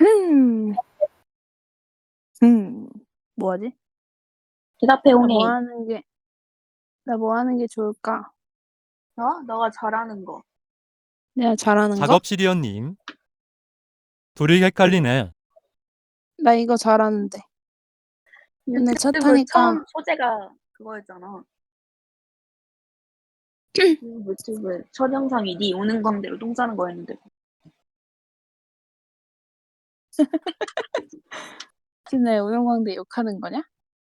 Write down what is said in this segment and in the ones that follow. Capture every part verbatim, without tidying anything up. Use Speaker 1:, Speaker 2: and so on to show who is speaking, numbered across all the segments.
Speaker 1: 음. 음. 뭐 하지?
Speaker 2: 대답해,
Speaker 1: 나 뭐
Speaker 2: 홍해.
Speaker 1: 하는 게 나 뭐 하는 게 좋을까?
Speaker 2: 어? 너가 잘하는 거.
Speaker 1: 내가 잘하는 거?
Speaker 3: 작업실이었님. 둘이 헷갈리네.
Speaker 1: 나 이거 잘하는데. 근데 차
Speaker 2: 유튜브
Speaker 1: 타니까
Speaker 2: 처음 소재가 그거였잖아. 유튜브 첫 영상이 네 우는 광대로 똥 싸는 거였는데.
Speaker 1: 지금 내 운영광대 욕하는 거냐?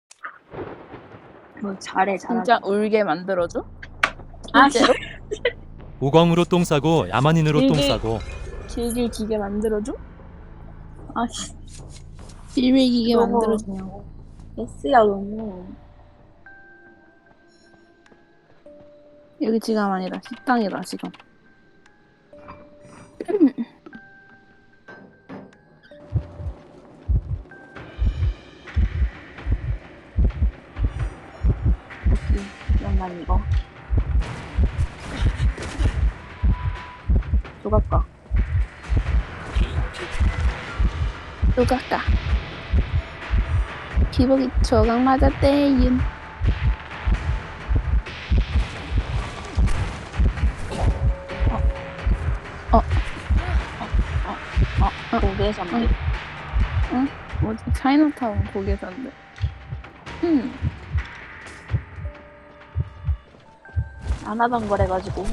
Speaker 2: 뭐 잘해, 잘하게.
Speaker 1: 진짜 울게 만들어줘?
Speaker 2: 아,
Speaker 1: 실제로?
Speaker 3: 오광으로 똥 싸고 야만인으로 똥
Speaker 1: 길게
Speaker 3: 싸고.
Speaker 1: 길게 기게 만들어줘?
Speaker 2: 아, 씨.
Speaker 1: 길게 기게
Speaker 2: 너무
Speaker 1: 만들어주냐고.
Speaker 2: S야, 너무.
Speaker 1: 여기 지금 아니라 식당이라 지금.
Speaker 2: 오케이. 그러면 이거. 조각가.
Speaker 1: 조각가. 기복이 조각 맞았대윤. 어. 어.
Speaker 2: 어, 거기에서 안 돼.
Speaker 1: 응? 뭐지? 차이나타운 거기에서인데. 음.
Speaker 2: 안 하던 거래가지고.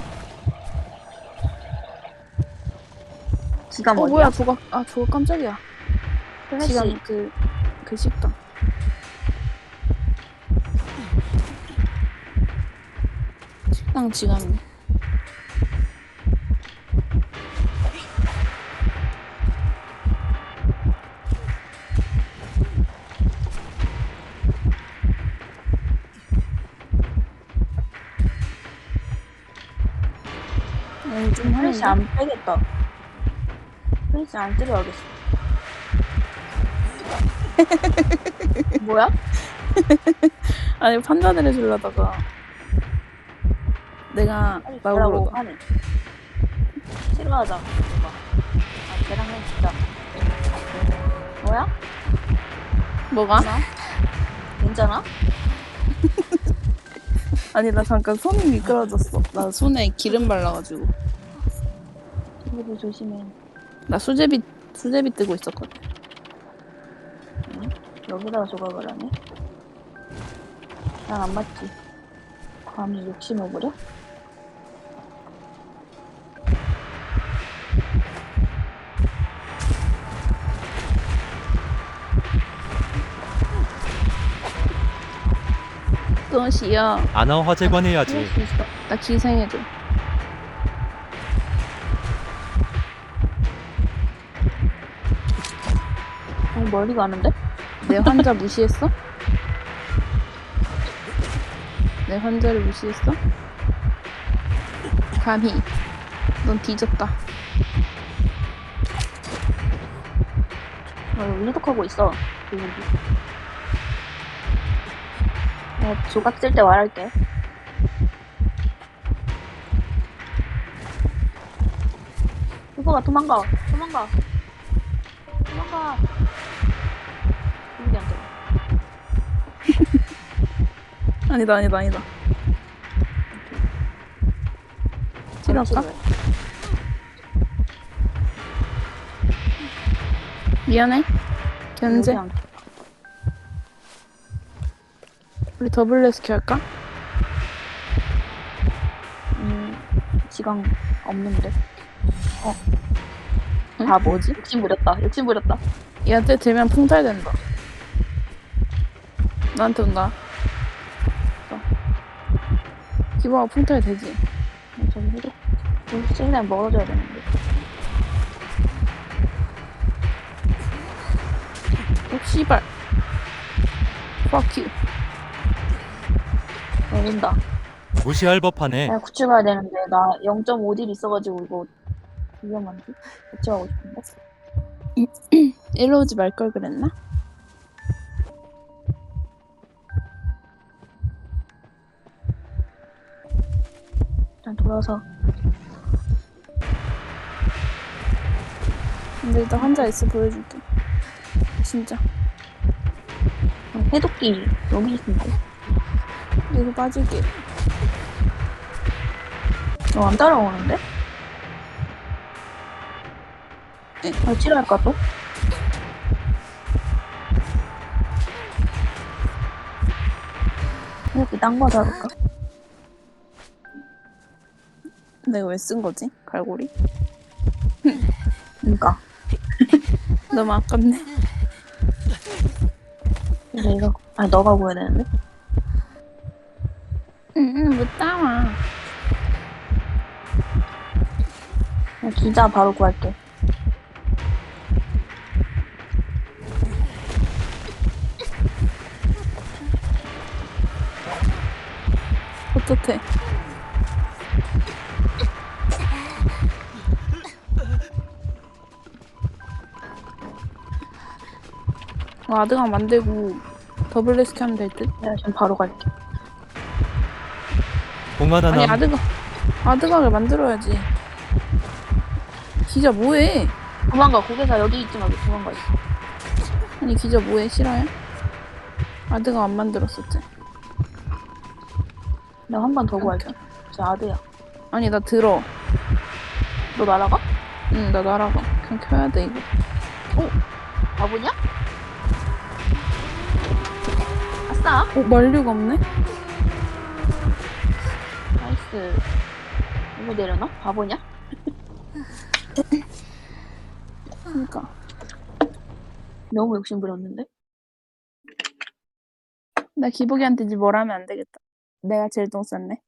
Speaker 2: 지가
Speaker 1: 어
Speaker 2: 뭐야?
Speaker 1: 뭐야 조각 아 조각 깜짝이야.
Speaker 2: 플래시.
Speaker 1: 지금 그, 그 식당. 식당 지갑이네. 어, 좀
Speaker 2: 플래시
Speaker 1: 하는데?
Speaker 2: 안 빼겠다. 플래시 안 때려야겠어. 뭐야?
Speaker 1: 아니 판단을 해주려다가 내가
Speaker 2: 빨리
Speaker 1: 말
Speaker 2: 가라고
Speaker 1: 걸어다.
Speaker 2: 하네. 싫어하자. 오빠. 아, 걔랑 해 진짜. 뭐야?
Speaker 1: 뭐가?
Speaker 2: 괜찮아? 괜찮아?
Speaker 1: 아니 나 잠깐 손이 미끄러졌어. 나 손에 기름 발라가지고.
Speaker 2: 친구들 조심해.
Speaker 1: 나 수제비 수제비 뜨고 있었거든.
Speaker 2: 응? 여기다가 조각을 하네? 난 안 맞지. 감히 욕심을 부려?
Speaker 1: 또시여.
Speaker 3: 아나 화재관
Speaker 2: 할
Speaker 3: 해야지.
Speaker 2: 수 있어.
Speaker 1: 나 기생해줘.
Speaker 2: 너무 멀리 가는데?
Speaker 1: 내 환자 무시했어? 내 환자를 무시했어? 감히. 넌 뒤졌다.
Speaker 2: 어, 의독하고 있어. 여기. 내가 조각 쓸 때 말할게. 후보가 도망가. 도망가. 도망가. 여기 안 돼.
Speaker 1: 아니다 아니다 아니다. 찌를까? 미안해. 견제.
Speaker 2: 여기 안 돼.
Speaker 1: 우리 더블 레스큐 할까?
Speaker 2: 음, 시간 없는데. 어.
Speaker 1: 응?
Speaker 2: 아, 뭐,
Speaker 1: 뭐지?
Speaker 2: 욕심 부렸다. 욕심 부렸다.
Speaker 1: 얘한테 되면 풍탈된다. 나한테 온다. 어. 기보가 풍탈 되지?
Speaker 2: 어, 저기 해도. 여기 찔면 멀어져야 되는데.
Speaker 1: 어, 씨발. Fuck you.
Speaker 2: 내린다.
Speaker 3: 무시할 법하네.
Speaker 2: 나 구출 가야 되는데, 나 영 점 오 딜 있어가지고, 이거, 위험한데? 구출하고 싶은데?
Speaker 1: 일로 오지 말 걸 그랬나?
Speaker 2: 일단 돌아서.
Speaker 1: 근데 일단 환자 있어 보여줄게. 진짜.
Speaker 2: 어, 해독기 여기 있는데.
Speaker 1: 여기 빠질게.
Speaker 2: 너 안 따라오는데?
Speaker 1: 네.
Speaker 2: 아, 치료할까 또? 이렇게 딴 거 잡을까?
Speaker 1: 내가 왜 쓴 거지? 갈고리?
Speaker 2: 그니까.
Speaker 1: 너무 아깝네.
Speaker 2: 근데 이거, 아니, 너가 구해야 되는데?
Speaker 1: 응응 못 따와.
Speaker 2: 그냥 기자 바로 구할게.
Speaker 1: 어떡해. 어, 아드강 만들고 더블 레스키 하면 될 듯?
Speaker 2: 내가 지금 바로 갈게.
Speaker 3: 봉화
Speaker 1: 아니
Speaker 3: 단암.
Speaker 1: 아드강 아드강을 만들어야지. 기자 뭐해?
Speaker 2: 도망가, 고개사 여기 있지 말고 도망가 있어.
Speaker 1: 아니 기자 뭐해? 싫어요? 아드강 안 만들었었지.
Speaker 2: 내가 한 번 더 구할게. 저 아드야.
Speaker 1: 아니 나 들어.
Speaker 2: 너 날아가?
Speaker 1: 응 나 날아가. 그냥 켜야 돼 이거.
Speaker 2: 바보냐? 아싸!
Speaker 1: 어 만류가 없네?
Speaker 2: 나이스. 이거 내려놔? 바보냐?
Speaker 1: 그러니까.
Speaker 2: 너무 욕심 부렸는데?
Speaker 1: 나 기복이한테 이제 뭘 하면 안 되겠다. 내가 제일 똥 쌌네.